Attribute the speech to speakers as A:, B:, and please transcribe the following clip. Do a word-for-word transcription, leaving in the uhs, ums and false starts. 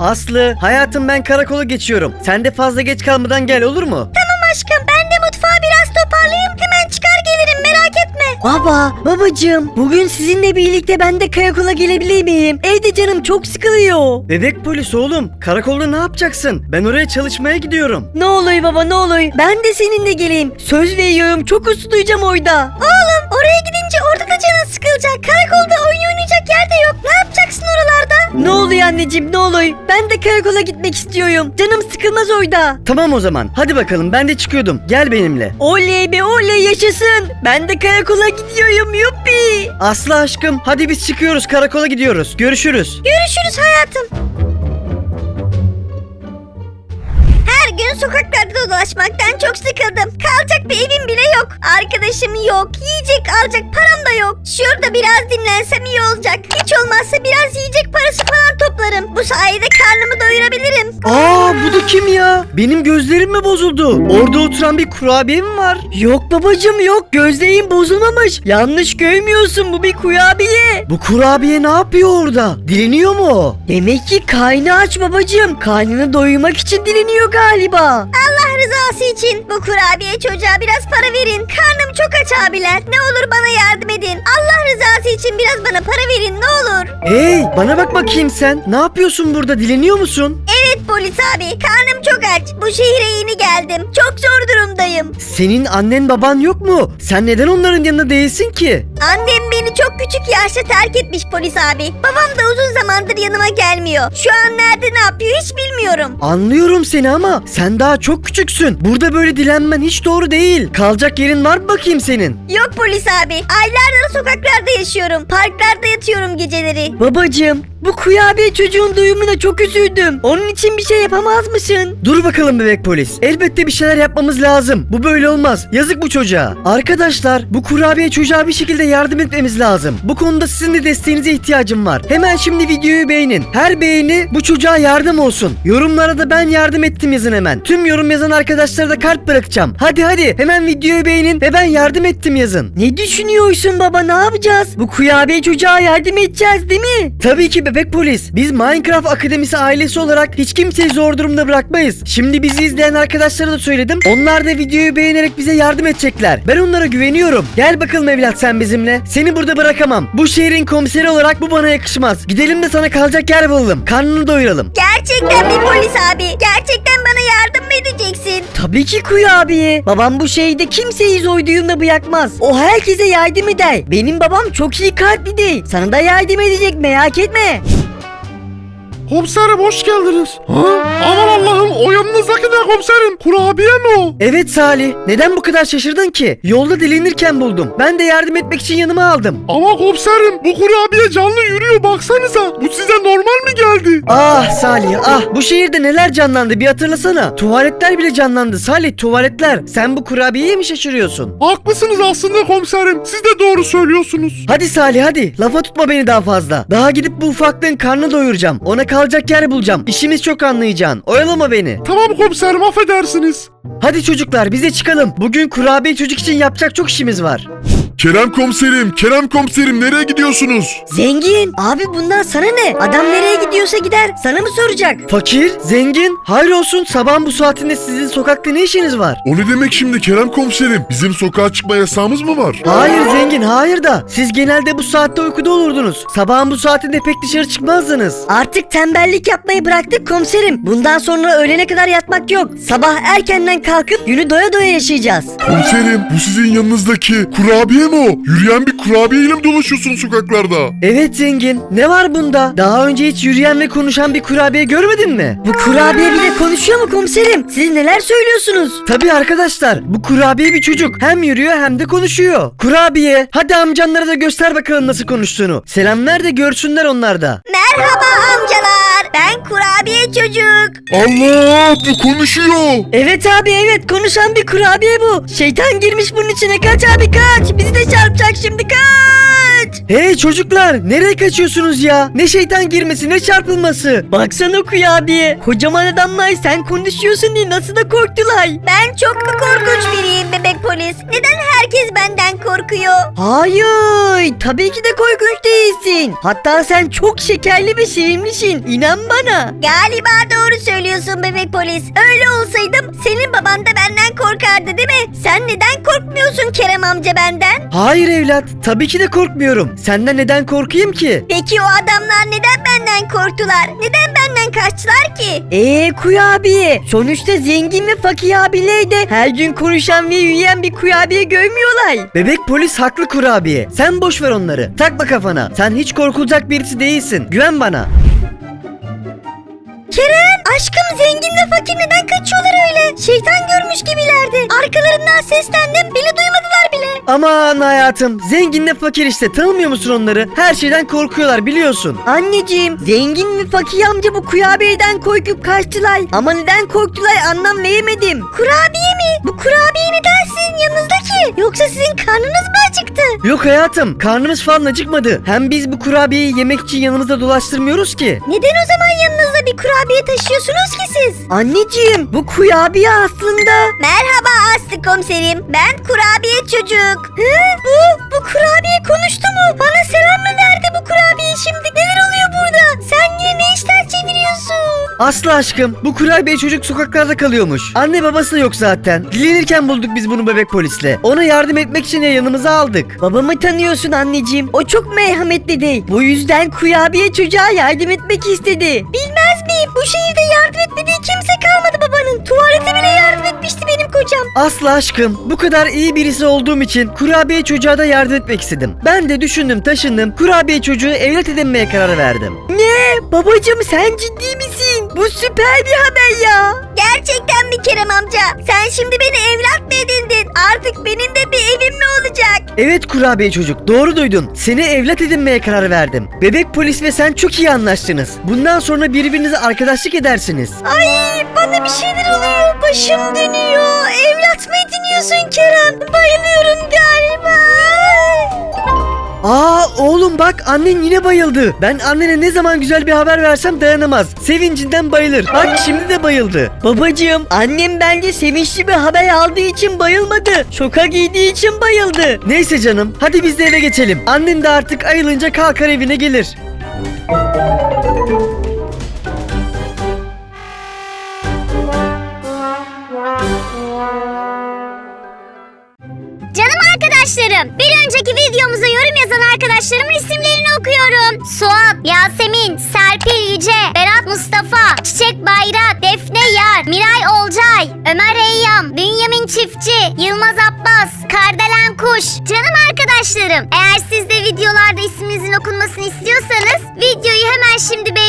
A: Aslı, hayatım ben karakola geçiyorum. Sen de fazla geç kalmadan gel, olur mu?
B: Tamam aşkım, ben de mutfağı biraz toparlayayım, hemen çıkar gelirim, merak etme.
C: Baba, babacığım, bugün sizinle birlikte ben de karakola gelebilir miyim? Evde canım çok sıkılıyor.
A: Bebek polis oğlum, karakolda ne yapacaksın? Ben oraya çalışmaya gidiyorum.
C: Ne olur baba, ne olur. Ben de seninle geleyim. Söz veriyorum, çok uslu duyacağım orada.
B: Oğlum, oraya gidince orada da canın sıkılacak. Karakolda oyun oynayacak yer de yok. Ne yapacaksın oralarda?
C: Ne oluyor anneciğim, ne olur. Ben de karakola gitmek istiyorum. Canım sıkılmaz orada.
A: Tamam o zaman, hadi bakalım, ben de çıkıyordum. Gel benimle.
C: Oley be oley, yaşasın. Ben de karakola gidiyorum, yuppi.
A: Aslı aşkım, hadi biz çıkıyoruz, karakola gidiyoruz. Görüşürüz.
B: Görüşürüz hayatım. Her gün sokaklarda dolaşmaktan çok sıkıldım. Kalacak bir evim bile yok. Arkadaşım yok. Yiyecek alacak param da yok. Şurada biraz dinlensem iyi olacak. Hiç olmazsa biraz yiyecek parası falan toplarım. Bu sayede karnımı doyurabilirim.
A: Aa, bu da kim ya? Benim gözlerim mi bozuldu? Orada oturan bir kurabiye mi var?
C: Yok babacığım yok, gözlerin bozulmamış. Yanlış görmüyorsun, bu bir kurabiye.
A: Bu kurabiye ne yapıyor orada? Dileniyor mu o?
C: Demek ki karnı aç babacığım. Karnını doyurmak için dileniyor galiba.
B: Allah rızası için bu kurabiye çocuğa biraz para verin. Karnım çok aç abiler. Ne olur bana yardım edin. Allah rızası için biraz bana para verin ne olur.
A: Hey, bana bak bakayım sen. Ne yapıyorsun burada? Dileniyor musun?
B: Evet polis abi, karnım çok aç. Bu şehre yeni geldim. Çok zor durumdayım.
A: Senin annen baban yok mu? Sen neden onların yanında değilsin ki?
B: Annem beni çok küçük yaşta terk etmiş polis abi. Babam da uzun zamandır yanıma gelmiyor. Şu an nerede ne yapıyor hiç bilmiyorum.
A: Anlıyorum seni ama sen daha çok küçüksün. Burada böyle dilenmen hiç doğru değil. Kalacak yerin var mı bakayım senin?
B: Yok polis abi. Aylardır sokaklarda yaşıyorum. Parklarda yatıyorum geceleri.
C: Babacığım, bu kurabiye çocuğun duyumuna çok üzüldüm. Onun için bir şey yapamaz mısın?
A: Dur bakalım bebek polis. Elbette bir şeyler yapmamız lazım. Bu böyle olmaz. Yazık bu çocuğa. Arkadaşlar, bu kurabiye çocuğa bir şekilde yardım etmemiz lazım. Bu konuda sizin de desteğinize ihtiyacım var. Hemen şimdi videoyu beğenin. Her beğeni bu çocuğa yardım olsun. Yorumlara da ben yardım ettim yazın hemen. Tüm yorum yazan arkadaşlara da kalp bırakacağım. Hadi hadi hemen videoyu beğenin ve ben yardım ettim yazın.
C: Ne düşünüyorsun baba, ne yapacağız? Bu kurabiye çocuğa yardım edeceğiz değil mi?
A: Tabii ki bebek polis. Biz Minecraft Akademisi ailesi olarak hiç kimseyi zor durumda bırakmayız. Şimdi bizi izleyen arkadaşlara da söyledim. Onlar da videoyu beğenerek bize yardım edecekler. Ben onlara güveniyorum. Gel bakalım evlat sen bizimle. Seni burada bırakamam. Bu şehrin komiseri olarak bu bana yakışmaz. Gidelim de sana kalacak yer bulalım. Karnını doyuralım.
B: Gerçekten mi polis abi? Gerçekten bana yardım mı edeceksin?
C: Tabii ki kurabiye. Babam bu şehirde kimseyi zor durumda bırakmaz. O herkese yardım eder. Benim babam çok iyi kalpli değil. Sana da yardım edecek, merak etme.
D: Komiserim hoş geldiniz. Ha? Aman Allah'ım, o yanınızdaki ne komiserim? Kurabiye mi o?
A: Evet Salih. Neden bu kadar şaşırdın ki? Yolda dilenirken buldum. Ben de yardım etmek için yanıma aldım.
D: Ama komiserim, bu kurabiye canlı yürüyor, baksanıza. Bu size normal mi geldi?
A: Ah Salih ah. Bu şehirde neler canlandı bir hatırlasana. Tuvaletler bile canlandı Salih, tuvaletler. Sen bu kurabiyeye mi şaşırıyorsun?
D: Haklısınız aslında komiserim. Siz de doğru söylüyorsunuz.
A: Hadi Salih hadi. Lafa tutma beni daha fazla. Daha gidip bu ufaklığın karnını doyuracağım. Ona kalacak yer bulacağım. İşimiz çok anlayacaksın. Oyalama beni.
D: Tamam komiserim, affedersiniz.
A: Hadi çocuklar bize çıkalım. Bugün kurabiye çocuk için yapacak çok işimiz var.
D: Kerem komiserim, Kerem komiserim, nereye gidiyorsunuz?
C: Zengin, abi bundan sana ne? Adam nereye gidiyorsa gider. Sana mı soracak?
A: Fakir, zengin, hayrolsun sabahın bu saatinde sizin sokakta ne işiniz var?
D: O ne demek şimdi Kerem komiserim? Bizim sokağa çıkma yasağımız mı var?
A: Hayır zengin, hayır da siz genelde bu saatte uykuda olurdunuz. Sabahın bu saatinde pek dışarı çıkmazdınız.
C: Artık tembellik yapmayı bıraktık komiserim. Bundan sonra öğlene kadar yatmak yok. Sabah erkenden kalkıp günü doya doya yaşayacağız.
D: Komiserim, bu sizin yanınızdaki kurabiye mi o? Yürüyen bir kurabiyeyle mi dolaşıyorsun sokaklarda?
A: Evet zengin, ne var bunda? Daha önce hiç yürüyen ve konuşan bir kurabiye görmedin mi?
C: Bu kurabiye bile konuşuyor mu komiserim? Siz neler söylüyorsunuz?
A: Tabii arkadaşlar, bu kurabiye bir çocuk. Hem yürüyor hem de konuşuyor. Kurabiye, hadi amcanlara da göster bakalım nasıl konuştuğunu. Selam ver de görsünler onlar da.
B: Merhaba amcalar. Ben kurabiye çocuk.
D: Allah, bu konuşuyor.
C: Evet abi evet, konuşan bir kurabiye bu. Şeytan girmiş bunun içine, kaç abi kaç. Bizi de çarpacak şimdi, kaç.
A: Hey çocuklar, nereye kaçıyorsunuz ya? Ne şeytan girmesi ne çarpılması.
C: Baksana kurabiye. Kocaman adamlar sen konuşuyorsun diye nasıl da korktular.
B: Ben çok mu korkunç biriyim bebek polis? Neden herkes benden korkuyor?
C: Hayır, tabii ki de korkunç değilsin. Hatta sen çok şekerli ve sevimlisin. İnan bana.
B: Galiba doğru söylüyorsun bebek polis. Öyle olsaydım senin baban da benden korkardı değil mi? Sen neden korkmuyorsun Kerem amca benden?
A: Hayır evlat, tabii ki de korkmuyorum. Senden neden korkayım ki?
B: Peki o adamlar neden benden korktular? Neden benden kaçtılar ki?
C: Eee kurabiye. Sonuçta zengin ve fakir abiler de her gün konuşan ve yürüyen bir kurabiye görmüyorlar.
A: Bebek polis haklı kurabiye. Sen boş ver onları. Takma kafana. Sen hiç korkulacak birisi değilsin. Güven bana.
B: Kerem aşkım zenginle fakir neden kaçıyorlar öyle? Şeytan görmüş gibilerdi. Arkalarından seslendim bile duymadılar bile.
A: Aman hayatım, zenginle fakir işte, tanımıyor musun onları? Her şeyden korkuyorlar biliyorsun.
C: Anneciğim, zengin ve fakir amca bu kurabiyeden korkup kaçtılar. Ama neden korktular anlam veremedim.
B: Kurabiye mi? Bu kurabiye neden sizin yanınızdaki? Yoksa sizin karnınız mı acıktı?
A: Yok hayatım, karnımız falan acıkmadı. Hem biz bu kurabiyeyi yemek için yanımızda dolaştırmıyoruz ki.
B: Neden o zaman yanınızda bir kurabiye taşıyorsunuz ki siz?
C: Anneciğim, bu kurabiye aslında...
B: Merhaba Aslı komiserim. Ben kurabiye çocuk. Hı? Bu, bu kurabiye konuştu mu? Bana selam mı verdi bu kurabiye şimdi? Neler oluyor burada? Sen yine ne işler çeviriyorsun?
A: Aslı aşkım, bu kurabiye çocuk sokaklarda kalıyormuş. Anne babası da yok zaten. Dilenirken bulduk biz bunu bebek polisle. Ona yardım etmek için yanımıza aldık.
C: Babamı tanıyorsun anneciğim. O çok merhametli değil. Bu yüzden kurabiye çocuğa yardım etmek istedi.
B: Bilmez miyim? Bu şehirde yardım etmediği kimse kalmadı babanın. Tuvalete bile yardım etmişti benim kocam.
A: Aslı aşkım, bu kadar iyi birisi olduğum için kurabiye çocuğa da yardım etmek istedim. Ben de düşündüm taşındım, kurabiye çocuğu evlat edinmeye karar verdim.
C: Ne? Babacığım sen ciddi misin? Bu süper bir haber ya.
B: Gerçekten mi Kerem amca? Sen şimdi beni evlat mı edindin? Artık benim de bir evim mi olacak?
A: Evet kurabiye çocuk, doğru duydun. Seni evlat edinmeye karar verdim. Bebek polis ve sen çok iyi anlaştınız. Bundan sonra birbirinize arkadaşlık edersiniz.
B: Ay bana bir şeyler oluyor. Başım dönüyor. Evlat mı ediniyorsun Kerem? Bayılıyorum galiba.
A: Aa oğlum bak, annen yine bayıldı. Ben annene ne zaman güzel bir haber versem dayanamaz. Sevincinden bayılır. Bak şimdi de bayıldı.
C: Babacığım, annem bence sevinçli bir haber aldığı için bayılmadı. Şoka giydiği için bayıldı.
A: Neyse canım, hadi biz de eve geçelim. Annen de artık ayılınca kalkar evine gelir.
B: Canım arkadaşlarım, bir önceki videomuza yorum yazan arkadaşlarımın isimlerini okuyorum. Suat, Yasemin, Serpil Yüce, Berat Mustafa, Çiçek Bayrak, Defne Yar, Miray Olcay, Ömer Eyyam, Bünyamin Çiftçi, Yılmaz Abbas, Kardelen Kuş. Canım arkadaşlarım, eğer siz de videolarda isminizin okunmasını istiyorsanız videoyu hemen şimdi beğenin.